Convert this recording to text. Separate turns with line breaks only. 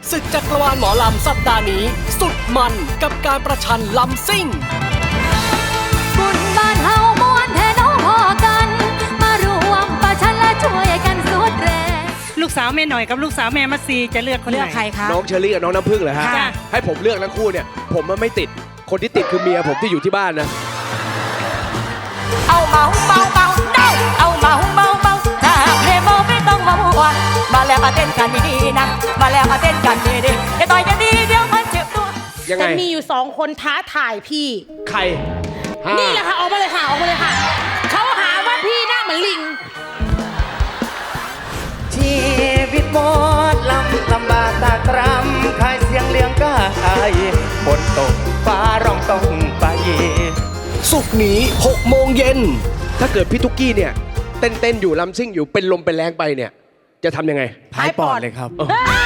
ศึกจักรวาลหมอลำสัปดาห์นี้ สุดมันกับการประชันลำซิ่ง
บุญบ้านเฮามวนแทน้องพอกัน มารวมประชันและช่วยกันสุดแรง
ลูกสาวแม่หน่อยกับลูกสาวแม่มัสซีจะเลือกคนไหน
เลือกใครคะ
น้องเชอรี่กับน้องน้ำผึ้งเหรอฮะ
ค่ะ
ให้ผมเลือกทั้งคู่เนี่ยผมมันไม่ติดคนที่ติดคือเมียผมที่อยู่ที่บ้านนะ
เอาเมาเมาเมาเด้าเอาเมาเมาเมาถ้าหากเพลงเมาไม่ต้องมามัวมาแล้วมาเต้นกันดีๆนะมาแล้วมาเต้นกันดีๆอย่าต่อยกันดีเดี๋ยวมันเจ็บตัว
ยังไง
แต่มีอยู่2 คนท้าถ่ายพี่
ใคร
นี่แหละค่ะออกมาเลยค่ะออกมาเลยค่ะเขาหาว่าพี่หน้าเหมือนลิง
ชีวิตหมดลำบากตากตรำขายเสียงเลี้ยงกายฝนตกฟ้าร้องต้องไป
ศุกร์นี้6 โมงเย็นถ้าเกิดพี่ตุ๊กกี้เนี่ยเต้นอยู่ลำซิ่งอยู่เป็นลมเป็นแรงไปเนี่ยจะทำยังไง
พายปอดเลยครับ
เออ